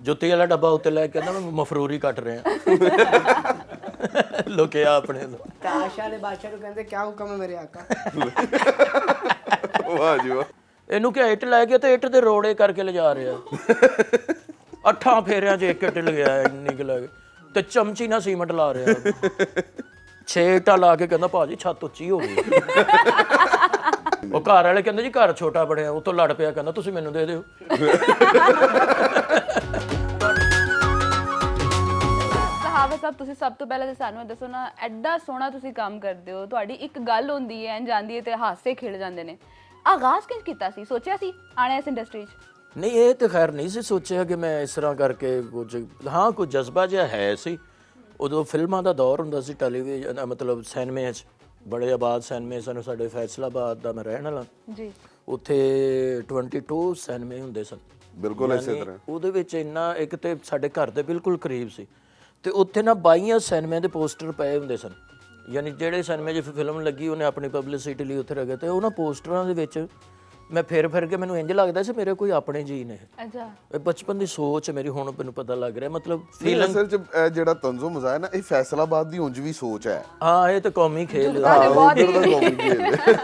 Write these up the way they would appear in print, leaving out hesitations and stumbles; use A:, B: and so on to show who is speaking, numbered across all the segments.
A: ਜੁੱਤੀ ਵਾਲਾ ਡੱਬਾ ਉੱਤੇ ਲੈ ਕੇ ਕਹਿੰਦਾ ਮੈਂ ਮਫਰੂਰੀ ਕੱਟ ਰਿਹਾ ਲੁਕਿਆ ਆਪਣੇ ਨੂੰ।
B: ਤਾਸ਼ਾ ਦੇ ਬਾਦਸ਼ਾਹ ਨੂੰ ਕਹਿੰਦੇ ਕਿਆ ਹੁਕਮ ਹੈ ਮੇਰੇ ਆਕਾ।
C: ਵਾਹ ਜੀ ਵਾਹ।
A: ਇਹਨੂੰ ਕਿ ਇੱਟ ਲੈ ਗਿਆ ਤੇ ਇੱਟ ਦੇ ਰੋੜੇ ਕਰਕੇ ਲਿਜਾ ਰਿਹਾ 8 ਫੇਰਿਆਂ 'ਚ ਇੱਕ ਇੱਟ ਲਗਿਆ ਇੰਨੀ ਕੁ ਲੱਗ ਤੇ ਚਮਚੀ ਨਾਲ ਸੀਮੈਂਟ ਲਾ ਰਿਹਾ 6 ਇੱਟਾਂ ਲਾ ਕੇ ਕਹਿੰਦਾ ਭਾਜੀ ਛੱਤ ਉੱਚੀ ਹੋ ਗਈ। ਉਹ ਘਰ ਵਾਲੇ ਕਹਿੰਦੇ ਜੀ ਘਰ ਛੋਟਾ ਬਣਿਆ ਉਤੋਂ ਲੜ ਪਿਆ ਕਹਿੰਦਾ ਤੁਸੀਂ ਮੈਨੂੰ ਦੇ ਦਿਓ।
D: ਕਹਾਵਤ ਸਾਹਿਬ ਤੁਸੀਂ ਸਭ ਤੋਂ ਪਹਿਲਾਂ ਤਾਂ ਸਾਨੂੰ ਇਹ ਦੱਸੋ ਨਾ ਐਡਾ ਸੋਹਣਾ ਤੁਸੀਂ ਕੰਮ ਕਰਦੇ ਹੋ ਤੁਹਾਡੀ ਇੱਕ ਗੱਲ ਹੁੰਦੀ ਹੈ ਜਾਂਦੀ ਹੈ ਤੇ ਹਾਸੇ ਖਿੜ ਜਾਂਦੇ ਨੇ ਆਗਾਜ਼ ਕਿੰਜ ਕੀਤਾ ਸੀ ਸੋਚਿਆ ਸੀ ਆਣਾ ਇਸ ਇੰਡਸਟਰੀ 'ਚ?
A: ਨਹੀਂ ਇਹ ਤੇ ਖੈਰ ਨਹੀਂ ਸੀ ਸੋਚਿਆ ਕਿ ਮੈਂ ਇਸ ਤਰ੍ਹਾਂ ਕਰਕੇ ਕੁਝ ਹਾਂ ਕੁਝ ਜਜ਼ਬਾ ਜਿਹਾ ਹੈ ਸੀ। ਉਦੋਂ ਫਿਲਮਾਂ ਦਾ ਦੌਰ ਹੁੰਦਾ ਸੀ ਟੈਲੀਵਿਜ਼ਨ ਮਤਲਬ ਸਿਨੇਮੇ 'ਚ ਬੜੇ ਆਬਾਦ ਸਿਨੇਮੇ ਸਨ ਸਾਡੇ ਫੈਸਲਾਬਾਦ ਦਾ ਮੈਂ ਰਹਿਣ ਵਾਲਾ
D: ਜੀ
A: ਉੱਥੇ 22 ਸਿਨੇਮੇ ਹੁੰਦੇ ਸਨ।
C: ਬਿਲਕੁਲ ਇਸੇ ਤਰ੍ਹਾਂ
A: ਉਹਦੇ ਵਿੱਚ ਇੰਨਾ ਇੱਕ ਤੇ ਸਾਡੇ ਘਰ ਦੇ ਬਿਲਕੁਲ ਕਰੀਬ ਸੀ ਤੇ ਉੱਥੇ ਨਾ 22 ਸਿਨੇਮੇ ਦੇ ਪੋਸਟਰ ਪਏ ਹੁੰਦੇ ਸਨ ਯਾਨੀ ਜਿਹੜੇ ਸਿਨੇਮੇ 'ਚ ਫਿਲਮ ਲੱਗੀ ਉਹਨੇ ਆਪਣੀ ਪਬਲਿਸਿਟੀ ਲਈ ਉੱਥੇ ਰੱਖੇ ਤੇ ਉਹਨਾਂ ਪੋਸਟਰਾਂ ਦੇ ਵਿੱਚ ਮੈਂ ਫਿਰ ਕੇ ਮੈਨੂੰ ਇੰਜ ਲੱਗਦਾ ਸੀ ਮੇਰੇ ਕੋਈ ਆਪਣੇ ਜੀ ਨੇ।
D: ਅੱਛਾ
A: ਇਹ ਬਚਪਨ ਦੀ ਸੋਚ ਮੇਰੀ ਹੁਣ ਮੈਨੂੰ ਪਤਾ ਲੱਗ ਰਿਹਾ ਮਤਲਬ
C: ਅਸਲ ਚ ਜਿਹੜਾ ਤੰਜ਼ੋ ਮਜ਼ਾਇਆ ਨਾ ਇਹ ਫੈਸਲਾਬਾਦ ਦੀ ਉਂਝ ਵੀ ਸੋਚ ਹੈ।
A: ਹਾਂ ਇਹ ਤਾਂ ਕੌਮੀ ਖੇਲ
C: ਉਧਰ ਦਾ ਕੌਮੀ ਖੇਲ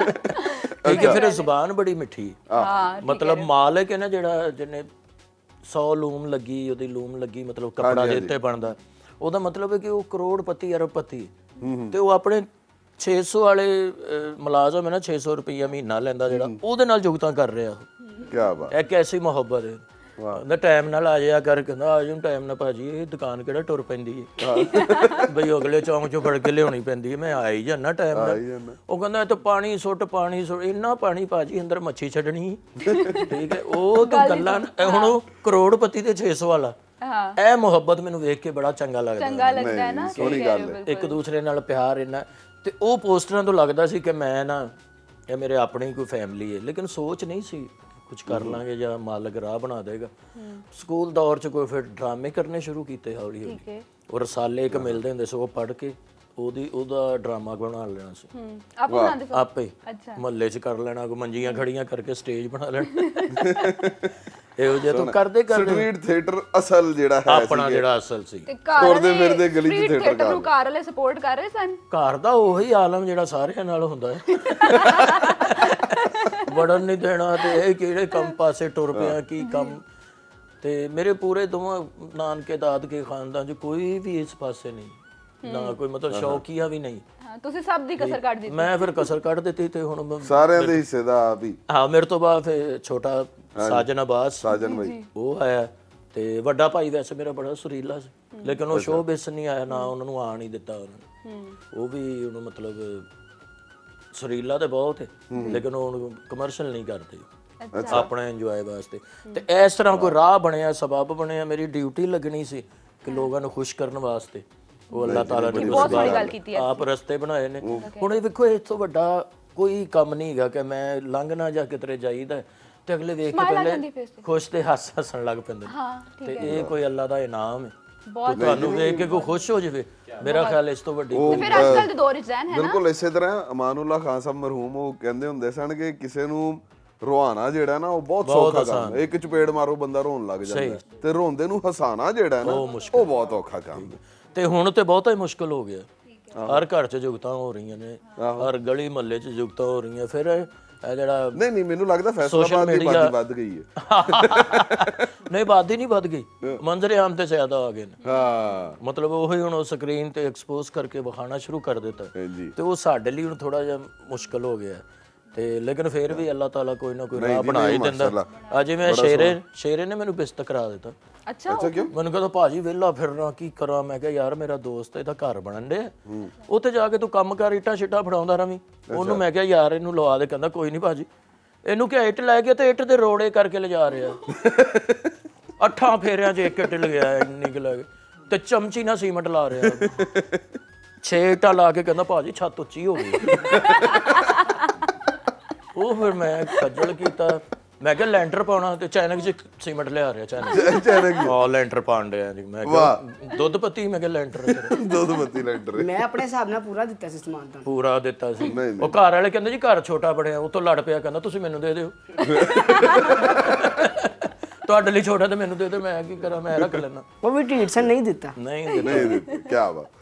A: ਕਿਉਂਕਿ ਫਿਰ ਜ਼ੁਬਾਨ ਬੜੀ ਮਿੱਠੀ ਮਤਲਬ ਮਾਲਕ ਹੈ ਨਾ ਜਿਹੜਾ ਜਿਹਨੇ 100 ਲੂਮ ਲੱਗੀ ਉਹਦੀ ਲੂਮ ਲੱਗੀ ਮਤਲਬ ਕੱਪੜਾ ਦੇ ਉੱਤੇ ਬਣਦਾ ਉਹਦਾ ਮਤਲਬ ਹੈ ਕਿ ਉਹ ਕਰੋੜਪਤੀ ਅਰਬਪਤੀ ਤੇ ਉਹ ਆਪਣੇ 600 ਵਾਲੇ ਮੁਲਾਜ਼ਮ ਹੈ ਨਾ 600 ਰੁਪਈਆ ਮਹੀਨਾ ਲੈਂਦਾ ਜਿਹੜਾ ਉਹਦੇ ਨਾਲ ਜੁਗਤਾਂ ਕਰ ਰਿਹਾ
C: ਕੀ ਬਾਤ
A: ਇੱਕ ਐਸੀ ਮੁਹੱਬਤ ਹੈ। ਕਹਿੰਦਾ ਟਾਈਮ ਨਾਲ ਆ ਜਾਇਆ ਕਰ ਕਹਿੰਦਾ ਆ ਜਾਊਂ ਟਾਈਮ ਨਾਲ ਭਾਜੀ ਇਹ ਦੁਕਾਨ ਕਿਹੜਾ ਟੁਰ ਪੈਂਦੀ ਹੈ ਬਈ ਅਗਲੇ ਚੌਂਕ ਚੋਂ ਫੜ ਕੇ ਲਿਆਉਣੀ ਪੈਂਦੀ ਹੈ ਮੈਂ ਆ ਹੀ ਜਾਣਾ ਟਾਈਮ ਨਾਲ। ਉਹ ਕਹਿੰਦਾ ਇਹ ਤਾਂ ਪਾਣੀ ਸੁੱਟ ਇੰਨਾ ਪਾਣੀ ਭਾਜੀ ਅੰਦਰ ਮੱਛੀ ਛੱਡਣੀ ਠੀਕ ਹੈ ਉਹ ਤਾਂ ਗੱਲਾਂ ਹੁਣ ਉਹ ਕਰੋੜਪਤੀ ਤੇ 600 ਵਾਲਾ ਇਹ ਮੁਹੱਬਤ ਮੈਨੂੰ ਵੇਖ ਕੇ ਬੜਾ ਚੰਗਾ ਲੱਗਦਾ
D: ਹੈ ਨਾ
C: ਸੋਹਣੀ ਗੱਲ ਹੈ।
A: ਇੱਕ ਦੂਸਰੇ ਨਾਲ ਪਿਆਰ ਇੰਨਾ ਤੇ ਉਹ ਪੋਸਟਰਾਂ ਤੋਂ ਲੱਗਦਾ ਸੀ ਕਿ ਮੈਂ ਨਾ ਇਹ ਮੇਰੇ ਆਪਣੀ ਕੋਈ ਫੈਮਿਲੀ ਹੈ ਲੇਕਿਨ ਸੋਚ ਨਹੀਂ ਸੀ ਕੁਝ ਕਰ ਲਾਂਗੇ ਜਾਂ ਮਾਲਕ ਰਾਹ ਬਣਾ ਦੇਗਾ। ਸਕੂਲ ਦੌਰ 'ਚ ਕੋਈ ਫਿਰ ਡਰਾਮੇ ਕਰਨੇ ਸ਼ੁਰੂ ਕੀਤੇ ਹੌਲੀ ਹੌਲੀ ਉਹ ਰਸਾਲੇ ਇੱਕ ਮਿਲਦੇ ਹੁੰਦੇ ਸੀ ਉਹ ਪੜ੍ਹ ਕੇ ਉਹਦਾ ਡਰਾਮਾ ਬਣਾ ਲੈਣਾ ਸੀ
D: ਆਪ ਬਣਾਉਂਦੇ ਸੀ
A: ਆਪੇ ਮਹੱਲੇ 'ਚ ਕਰ ਲੈਣਾ ਕੋਈ ਮੰਜੀਆਂ ਖੜੀਆਂ ਕਰਕੇ ਸਟੇਜ ਬਣਾ ਲੈਣਾ ਇਹੋ ਜਿਹਾ ਤੋਂ ਕਰਦੇ
C: ਸਟਰੀਟ ਥੀਏਟਰ ਅਸਲ ਜਿਹੜਾ ਹੈ
A: ਆਪਣਾ ਜਿਹੜਾ ਅਸਲ ਸੀ
D: ਤੇ ਘਰ
C: ਫਿਰਦੇ ਗਲੀ 'ਚ
D: ਥੀਏਟਰ ਨੂੰ ਘਰ ਵਾਲੇ ਸਪੋਰਟ ਕਰ ਰਹੇ ਸਨ।
A: ਘਰ ਦਾ ਉਹੀ ਆਲਮ ਜਿਹੜਾ ਸਾਰਿਆਂ ਨਾਲ ਹੁੰਦਾ ਹੈ ਵੜਨ ਨਹੀਂ ਦੇਣਾ ਤੇ ਇਹ ਕਿਹੜੇ ਕੰਮ ਪਾਸੇ ਟੁਰ ਪਿਆ ਕੀ ਕੰਮ ਤੇ ਮੇਰੇ ਪੂਰੇ ਦੋਵਾਂ ਨਾਨਕੇ ਦਾਦਕੇ ਖਾਨਦਾਨ 'ਚ ਕੋਈ ਵੀ ਇਸ ਪਾਸੇ ਨਹੀਂ ਨਾ ਕੋਈ ਮਤਲਬ ਸ਼ੌਕੀਆ ਵੀ ਨਹੀਂ।
D: ਤੁਸੀਂ ਸਭ ਦੀ ਕਸਰ ਕੱਢ ਦਿੱਤੀ।
A: ਮੈਂ ਫਿਰ ਕਸਰ ਕੱਢ ਦਿੱਤੀ ਤੇ ਹੁਣ
C: ਸਾਰਿਆਂ ਦੇ ਹਿੱਸੇ ਦਾ ਆਪ ਹੀ।
A: ਹਾਂ ਮੇਰੇ ਤੋਂ ਬਾਅਦ ਫਿਰ ਛੋਟਾ ਸਾਜਨ ਅਬਾਸ
C: ਸਾਜਨ ਭਾਈ
A: ਉਹ ਆਇਆ ਤੇ ਵੱਡਾ ਭਾਈ ਵੈਸੇ ਮੇਰਾ ਬੜਾ ਸੁਰੀਲਾ ਸੀ ਲੇਕਿਨ ਉਹ ਸ਼ੋਅ ਬਿਸ ਨਹੀਂ ਆਇਆ ਨਾ ਉਹਨਾਂ ਨੂੰ ਆਣ ਹੀ ਦਿੱਤਾ ਉਹਨਾਂ ਨੇ ਉਹ ਵੀ ਉਹਨੂੰ ਮਤਲਬ ਸੁਰੀਲਾ ਤੇ ਬਹੁਤ ਹੈ ਲੇਕਿਨ ਉਹ ਕਮਰਸ਼ੀਅਲ ਨਹੀਂ ਕਰਦੇ ਆਪਣਾ ਇੰਜੋਏ ਵਾਸਤੇ ਤੇ ਇਸ ਤਰ੍ਹਾਂ ਕੋਈ ਰਾਹ ਬਣਿਆ ਸਬਬ ਬਣਿਆ ਮੇਰੀ ਡਿਊਟੀ ਲੱਗਣੀ ਸੀ ਕਿ ਲੋਕਾਂ ਨੂੰ ਖੁਸ਼ ਕਰਨ ਵਾਸਤੇ ਉਹ ਅੱਲਾਹ ਤਾਲਾ ਨੇ ਆਪ ਰਸਤੇ ਬਣਾਏ ਨੇ। ਹੁਣ ਇਹ ਵੇਖੋ ਇਸ ਤੋਂ ਵੱਡਾ ਕੋਈ ਕੰਮ ਨਹੀਂ ਹੈਗਾ ਕਿ ਮੈਂ ਲੰਘ ਨਾ ਜਾ ਕਿਤੇ ਜਾਈਦਾ ਤੇ ਅਗਲੇ ਵੇਖ ਕੇ ਪਹਿਲੇ ਖੁਸ਼ ਤੇ ਹੱਸਣ ਲੱਗ ਪੈਂਦੇ ਤੇ ਇਹ ਕੋਈ ਅੱਲਾ ਦਾ ਇਨਾਮ ਹੈ ਤੁਹਾਨੂੰ ਵੇਖ ਕੇ ਕੋਈ ਖੁਸ਼ ਹੋ ਜਾਵੇ ਮੇਰਾ ਖਿਆਲ ਇਸ ਤੋਂ ਵੱਡੀ
D: ਤੇ ਫਿਰ ਅੱਜਕੱਲ ਦੇ ਦੌਰ 'ਚ ਜ਼ਹਿਨ ਹੈ ਨਾ
C: ਬਿਲਕੁਲ ਇਸੇ ਤਰ੍ਹਾਂ ਅਮਾਨੁੱਲਾ ਖਾਨ ਸਾਹਿਬ ਮਰਹੂਮ ਉਹ ਕਹਿੰਦੇ ਹੁੰਦੇ ਸਨ ਕਿ ਕਿਸੇ ਨੂੰ ਰੋਹਾਣਾ ਜਿਹੜਾ ਨਾ ਉਹ ਬਹੁਤ ਸੌਖਾ ਕੰਮ ਹੈ ਇੱਕ ਚਪੇੜ ਮਾਰੋ ਬੰਦਾ ਰੋਣ ਲੱਗ ਜਾਂਦਾ ਤੇ ਰੋਂਦੇ ਨੂੰ ਹਸਾਣਾ ਜਿਹੜਾ ਨਾ ਉਹ ਬਹੁਤ ਔਖਾ ਕੰਮ ਹੈ
A: ਤੇ ਹੁਣ ਤੇ ਬਹੁਤਾ ਹੀ ਮੁਸ਼ਕਲ ਹੋ ਗਿਆ ਹਰ ਘਰ 'ਚ ਜੁਗਤਾਂ ਹੋ ਰਹੀਆਂ ਨੇ ਹਰ ਗਲੀ ਮਹੱਲੇ 'ਚ ਜੁਗਤਾਂ ਹੋ ਰਹੀਆਂ ਫਿਰ ਇਹ ਜਿਹੜਾ
C: ਨਹੀਂ ਮੈਨੂੰ ਲੱਗਦਾ ਫੈਸਲਾਬਾਦ ਦੀ ਆਬਾਦੀ ਵੱਧ ਗਈ ਹੈ
A: ਨਹੀਂ ਆਬਾਦੀ ਨਹੀਂ ਵੱਧ ਗਈ ਮੰਜ਼ਰ ਆਮ ਤੇ ਜ਼ਿਆਦਾ ਆ ਗਏ ਨੇ
C: ਹਾਂ
A: ਮਤਲਬ ਉਹੀ ਹੁਣ ਉਹ ਸਕਰੀਨ ਤੇ ਐਕਸਪੋਜ਼ ਕਰਕੇ ਵਿਖਾਣਾ ਸ਼ੁਰੂ ਕਰ ਦਿੱਤਾ ਤੇ ਉਹ ਸਾਡੇ ਲਈ ਹੁਣ ਥੋੜਾ ਜਿਹਾ ਮੁਸ਼ਕਲ ਹੋ ਗਿਆ ਤੇ ਲੇਕਿਨ ਫਿਰ ਵੀ ਅੱਲਾਹ ਤਾਲਾ ਕੋਈ ਨਾ ਕੋਈ ਰਾਹ ਬਣਾ ਹੀ ਦਿੰਦਾ। ਅੱਜ ਜਿਵੇਂ ਸ਼ੇਰੇ ਨੇ ਮੈਨੂੰ ਬਿਸਤ ਕਰਾ ਦਿੱਤਾ।
D: ਅੱਛਾ
C: ਕਿਉਂ?
A: ਮੈਨੂੰ ਕਹਿੰਦਾ ਭਾਜੀ ਵਿਹਲਾ ਫਿਰਨਾ ਕੀ ਕਰਾਂ ਮੈਂ ਕਿਹਾ ਯਾਰ ਮੇਰਾ ਦੋਸਤ ਇਹਦਾ ਘਰ ਬਣਨ ਦੇ ਉੱਥੇ ਜਾ ਕੇ ਤੂੰ ਕੰਮ ਕਰ ਇੱਟਾਂ ਛਿੱਟਾਂ ਫੜਾਉਂਦਾ ਰਵੀਂ ਉਹਨੂੰ ਮੈਂ ਕਿਹਾ ਯਾਰ ਇਹਨੂੰ ਲਵਾ ਦੇ ਕਹਿੰਦਾ ਕੋਈ ਨਹੀਂ ਭਾਜੀ ਇਹਨੂੰ ਕਿ ਇੱਟ ਲੈ ਗਿਆ ਤੇ ਇੱਟ ਦੇ ਰੋੜੇ ਕਰਕੇ ਲਿਜਾ ਰਿਹਾ 8 ਫੇਰਿਆਂ 'ਚ ਇੱਕ ਇੱਟ ਲਗਿਆ ਇੰਨੀ ਕੁ ਲੱਗ ਤੇ ਚਮਚੀ ਨਾਲ ਸੀਮੈਂਟ ਲਾ ਰਿਹਾ 6 ਇੱਟਾਂ ਲਾ ਕੇ ਕਹਿੰਦਾ ਭਾਜੀ ਛੱਤ ਉੱਚੀ ਹੋ ਗਈ ਉਹ ਫਿਰ ਮੈਂ ਖੱਜਲ ਕੀਤਾ ਮੈਂ ਕਿਹਾ ਲੈਂਟਰ ਪਾਉਣਾ ਤੇ ਚਾਈਨਾ 'ਚ ਸੀਮੈਂਟ ਲਿਆ ਰਿਹਾ ਚਾਈਨਾ ਲੈਂਟਰ ਪਾਣ ਰਿਹਾ ਜੀ ਮੈਂ ਕਿਹਾ ਦੁੱਧ ਪੱਤੀ ਮੈਂ ਕਿਹਾ ਲੈਂਟਰ
C: ਦੁੱਧ ਪੱਤੀ ਲੈਂਟਰ
B: ਮੈਂ ਆਪਣੇ ਹਿਸਾਬ ਨਾਲ ਪੂਰਾ ਦਿੱਤਾ ਸੀ ਸਮਾਨ ਤਾਂ
A: ਪੂਰਾ ਦਿੱਤਾ ਸੀ ਉਹ ਘਰ ਵਾਲੇ ਕਹਿੰਦੇ ਜੀ ਘਰ ਛੋਟਾ ਬਣਿਆ ਉਤੋਂ ਲੜ ਪਿਆ ਕਹਿੰਦਾ ਤੁਸੀਂ ਮੈਨੂੰ ਦੇ ਦਿਓ ਤੁਹਾਡੇ ਲਈ ਛੋਟਾ ਤੇ ਮੈਨੂੰ ਦੇ ਦੇ, ਮੈਂ ਕੀ ਕਰਾਂ, ਮੈਂ ਰੱਖ ਲੈਣਾ।
B: वो भी ढीठ से नहीं देता।
A: ਨਹੀਂ
C: ਨਹੀਂ ਕੀ ਬਾਤ